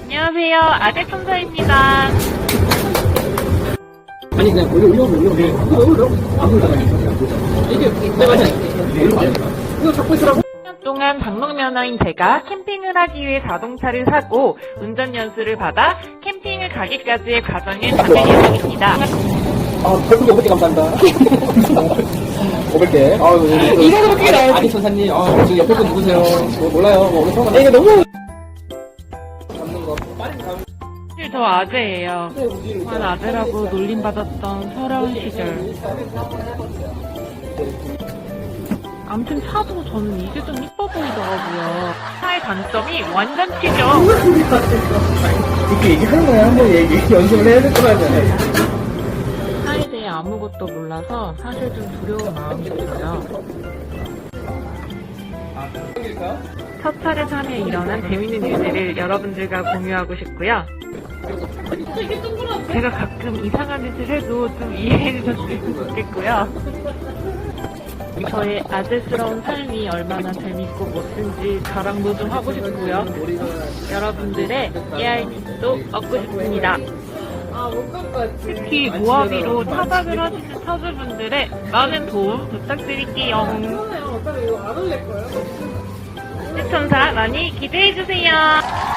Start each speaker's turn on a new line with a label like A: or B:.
A: 안녕하세요. 아재천사입니다.
B: 아니 그냥 올려 아무거나 이게 내가 이거 잡고 있으라고.
A: 10년 동안 방목면허인 제가 캠핑을 하기 위해 자동차를 사고 운전 연수를 받아 캠핑을 가기까지의 과정을 담을 예정입니다.
B: 별풍기 500개 감사합니다. 500개. 이거 그렇게 나요. 아니 천사님, 저 옆에 분 누구세요? 몰라요. 오늘 처음 만나. 이거 너무. 잡는 거 빠른 감.
A: 사실 저 아재예요. 만 아재라고 놀림받았던 서러운 시절. 아무튼 차도 저는 이게 좀 이뻐 보이더라고요. 차의 단점이 완전 튀죠.
B: 이렇게 얘기하는 거야. 한번 연습을 해야 될 거라잖아요.
A: 차에 대해 아무것도 몰라서 사실 좀 두려운 마음이 들어요. 첫 차를 사며 일어난 재밌는 일들을 여러분들과 공유하고 싶고요. 제가 가끔 이상한 짓을 해도 좀 이해해 주셨으면 좋겠고요. 저의 아재스러운 삶이 얼마나 재밌고 멋진지 자랑도 좀 하고 싶고요. 여러분들의 깨알팁도 얻고 싶습니다. 특히 모하비로 타박을 하시는 차주분들의 많은 도움 부탁드릴게요. 시청자 많이 기대해주세요.